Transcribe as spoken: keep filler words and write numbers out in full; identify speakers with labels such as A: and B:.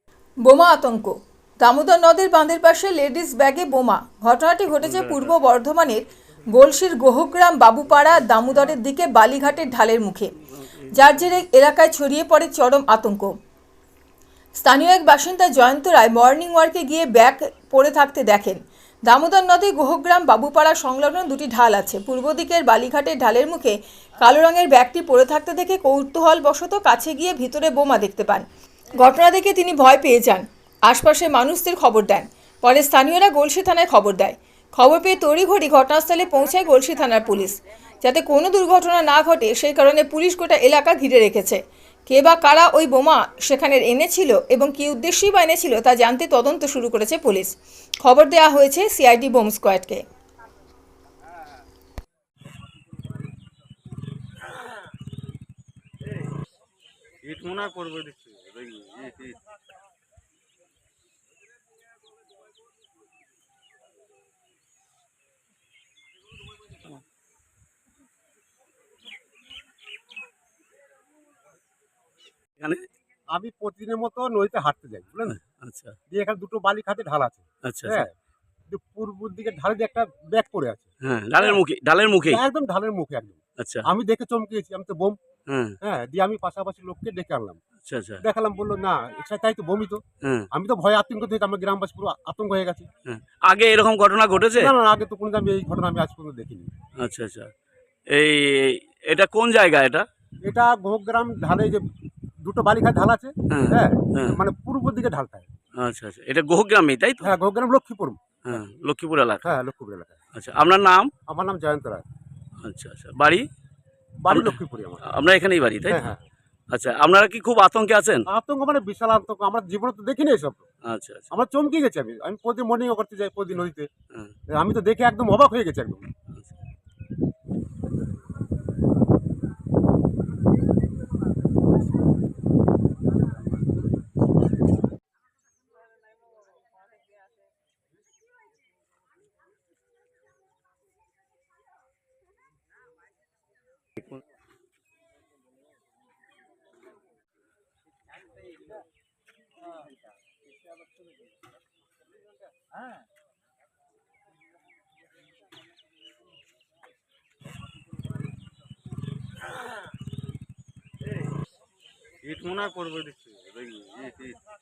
A: বোমা আতঙ্ক। দামোদর নদের বাঁধের পাশে লেডিস ব্যাগে বোমা। ঘটনাটি ঘটেছে পূর্ব বর্ধমানের গলসির গোহগ্রাম বাবুপাড়া দামোদরের দিকে বালিঘাটের ঢালের মুখে, যার জেরে এলাকায় ছড়িয়ে পড়ে চরম আতঙ্ক। স্থানীয় এক বাসিন্দা জয়ন্ত রায় মর্নিং ওয়ার্কে গিয়ে ব্যাগ পড়ে থাকতে দেখেন। দামোদর নদে গোহগ্রাম বাবুপাড়া সংলগ্ন দুটি ঢাল আছে। পূর্ব দিকের বালিঘাটের ঢালের মুখে কালো রঙের ব্যাগটি পড়ে থাকতে দেখে কৌতূহলবশত কাছে গিয়ে ভিতরে বোমা দেখতে পান। ঘটনা দেখে তিনি ভয় পেয়ে যান। আশপাশের মানুষদের খবর দেন। পরে স্থানীয়রা গলসি থানায় খবর দেয়। খবর পেয়ে তড়িঘড়ি ঘটনাস্থলে পৌঁছায় গলসি থানার পুলিশ। যাতে কোনো দুর্ঘটনা না ঘটে সেই কারণে পুলিশ গোটা এলাকা ঘিরে রেখেছে। কে বা কারা ওই বোমা সেখানে এনেছিল এবং কী উদ্দেশ্যেই বা এনেছিল তা জানতে তদন্ত শুরু করেছে পুলিশ। খবর দেওয়া হয়েছে সিআইডি বোম স্কোয়াডকে।
B: ইট মনে হয় করবে দেখছি দেখি ইট ইট
C: এখানে
D: আমি প্রতিদিনের মতো নদীতে হাঁটতে যাই, বুঝলেন।
C: আচ্ছা
D: দিয়ে এখানে দুটো বালি খাতে ঢাল আছে।
C: আচ্ছা
D: হ্যাঁ, কিন্তু পূর্ব দিকে ঢালে দিয়ে একটা ব্যাগ পড়ে আছে।
C: হ্যাঁ ডালের মুখে ডালের মুখে
D: একদম ঢালের মুখে একদম।
C: আচ্ছা
D: আমি দেখে চমকেছি, আমি তো বোম।
C: হ্যাঁ
D: হ্যাঁ, দিয়ে আমি পাশাপাশি লোককে ডেকে আনলাম।
C: আচ্ছা আচ্ছা
D: দেখালাম, বললো না এটা তাই তো বমি তো।
C: হ্যাঁ
D: আমি তো ভয় আতঙ্ক থেকে আমার গ্রামবাসী পুরো আতঙ্ক হয়ে গেছে।
C: হ্যাঁ আগে এরকম ঘটনা ঘটেছে?
D: না না, আগে তো কোনো আমি এই ঘটনা আমি আজ পর্যন্ত দেখিনি।
C: আচ্ছা আচ্ছা এই এটা কোন জায়গা এটা?
D: এটা গোহগ্রাম ঢালে যে দুটো বালিঘাট ঢাল আছে।
C: হ্যাঁ
D: হ্যাঁ,
C: হ্যাঁ
D: মানে পূর্ব দিকে ঢালটায়।
C: আচ্ছা আচ্ছা এটা গোহগ্রামে তাই তো?
D: হ্যাঁ, গোহগ্রাম লক্ষ্মীপুর।
C: হ্যাঁ লক্ষ্মীপুর এলাকা।
D: হ্যাঁ, লক্ষ্মীপুর এলাকায়।
C: আচ্ছা আপনার নাম?
D: আমার নাম জয়ন্ত রায়।
C: আচ্ছা আচ্ছা বাড়ি?
D: বাড়ি
C: আমরা-
D: লক্ষ্মীপুরে আমার।
C: আপনার এখানেই বাড়ি তাই
D: হ্যাঁ
C: তো?
D: হ্যাঁ,
C: আচ্ছা আপনারা কি খুব আতঙ্কে আছেন?
D: আতঙ্ক মানে বিশাল আতঙ্ক, আমরা জীবনে তো দেখিনি এসব।
C: আচ্ছা আচ্ছা
D: আমরা চমকে গেছি। আমি আমি প্রতিদিন মর্নিং করতে যাই প্রতিদিন নদীতে।
C: হ্যাঁ
D: আমি তো দেখে একদম অবাক হয়ে গেছি একদম।
C: আচ্ছা।
B: ইট মনে হয় করবে দেখছি দেখি ইট ইট